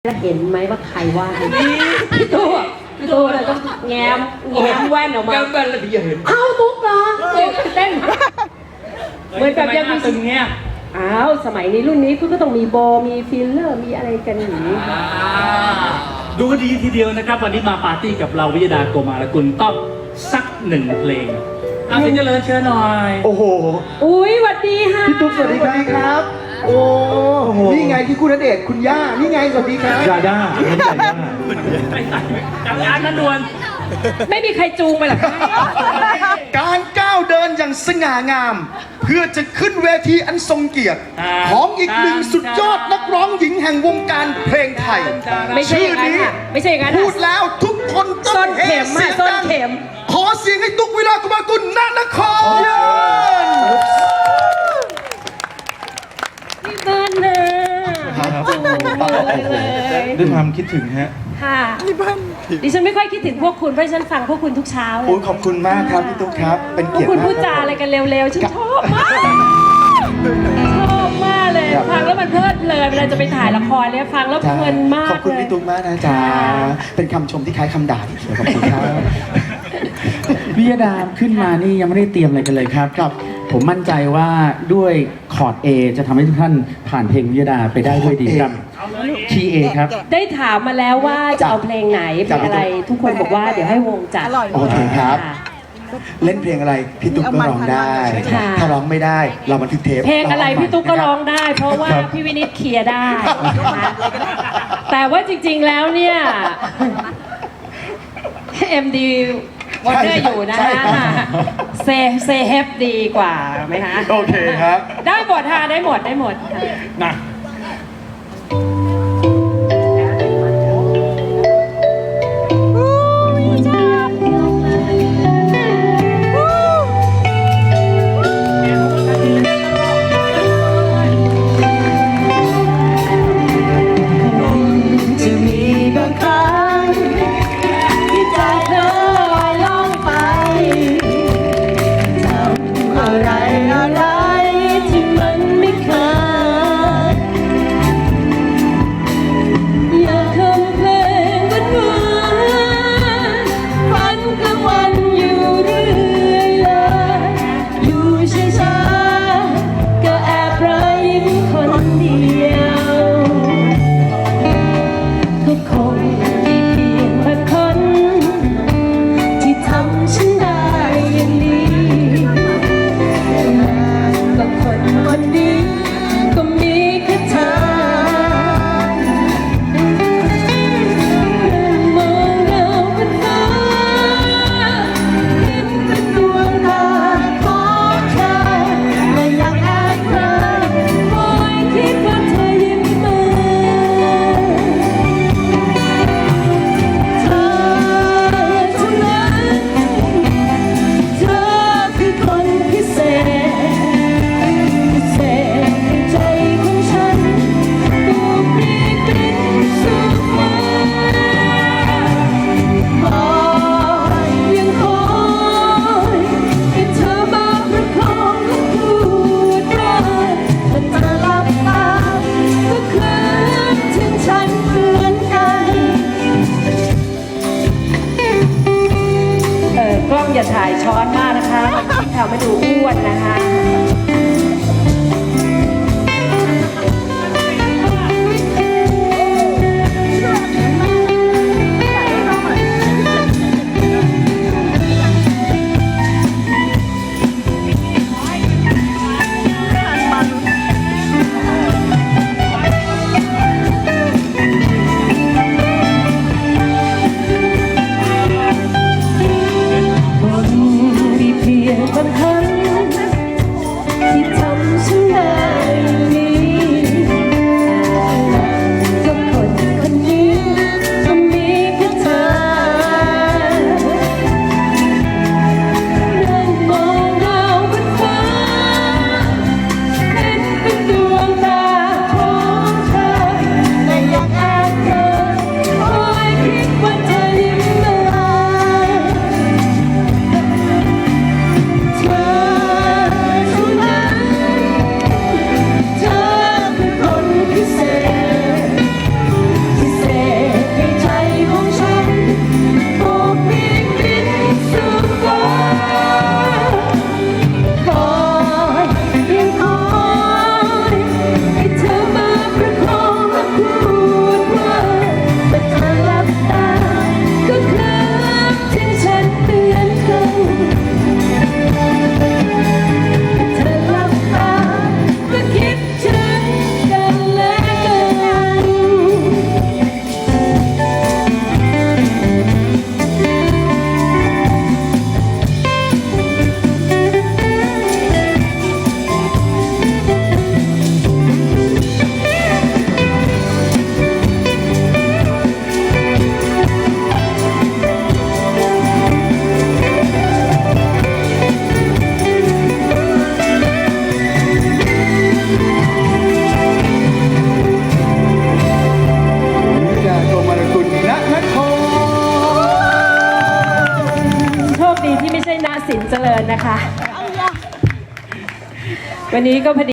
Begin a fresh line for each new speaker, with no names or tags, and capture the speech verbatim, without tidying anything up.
แล้วเห็นไหมว่าใครว่าพี่ตู้พี่ตู้เราต้องแง้มแง้มแว่นออกมา
แง้มแว่นแล้วพี่เห็น
เอ้าตุ๊กเหรอเต้นเหมือนกับยังมี
ตึงเนี้ย
อ้าวสมัยนี้รุ่นนี้คุณก็ต้องมีโบมีฟิลเลอร์มีอะไรกันอย่างนี้
ดูดีทีเดียวนะครับวันนี้มาปาร์ตี้กับเราวิยดาโกมาลกุลต้องสักหนึ่งเพลงอาสินเจริญเชิญหน่อย
โอ้โห
อุ้ยสวัสดีค่ะ
พี่ตุ๊กสวัสดีครับโอ้โหนี่ไงที่คุณณเดชน์คุณย่านี่ไงสวัสดีครับ
ยาย่าไม่ใช่ย่าจักรยานนั้นด่วน
ไม่มีใครจูงไปหรอก
การก้าวเดินอย่างสง่างามเพื่อจะขึ้นเวทีอันทรงเกียรติของอีกหนึ่งสุดยอดนักร้องหญิงแห่งวงการเพลงไทย
ชื่อนี้ไม่ใช่กัน
พูดแล้วทุกคนต้องเฮเสียงดังขอเสียงให้ตุ๊กวิลากุมากุลณนคร
พี่เบิร์นเลย
ด้วยความคิดถึงฮะ
ค่ะดิฉันไม่ค่อยคิดถึงพวกคุณเพราะฉันฟังพวกคุณทุกเช้าเลย
โอ้ขอบคุณมากครับพี่ตุ๊กครับเป็นเกียรติ
มากพวกคุณพูดจาอะไรกันเร็วๆฉันชอบมากชอบมากเลยฟังแล้วมันเพลิดเพลินเวลาจะไปถ่ายละครเนี่ยฟังแล้วเพลินมาก
ขอบคุณพี่ตุ๊กมากนะจ๊ะเป็นคำชมที่คล้ายคำด่าอีกเลยขอบคุณครับ
วิยดาขึ้นมานี่ยังไม่ได้เตรียมอะไรกันเลยครับครับผมมั่นใจว่าด้วยคอร์ด A จะทำให้ทุกท่านผ่านเพลงวิยดาไปได้ด้วยดีครับคีย์ A ครับ
ได้ถามมาแล้วว่าจะเอาเพลงไหนเพลงอะไรทุกคนบอกว่าเดี๋ยวให้วงจัด
โอเคครับเล่นเพลงอะไรพี่ตุ๊กก็ร้องได้ถ้าร้องไม่ได้เราบันทึกเทป
เพลงอะไรพี่ตุ๊กก็ร้องได้เพราะว่าพี่วินิจเคลียร์ได้แต่ว่าจริงๆแล้วเนี่ย เอ็ม ดีวอเตอร์อยู่นะฮะเซเซเฮปดีกว่าไหมคะ
โอเคครับ
ได้หมดค่ะได้หมดได้หมด
นะ
อย่าถ่ายช้อนมากนะคะทำให้ดูอ้วนนะคะสินเจริญนะคะ วันนี้ก็พอดี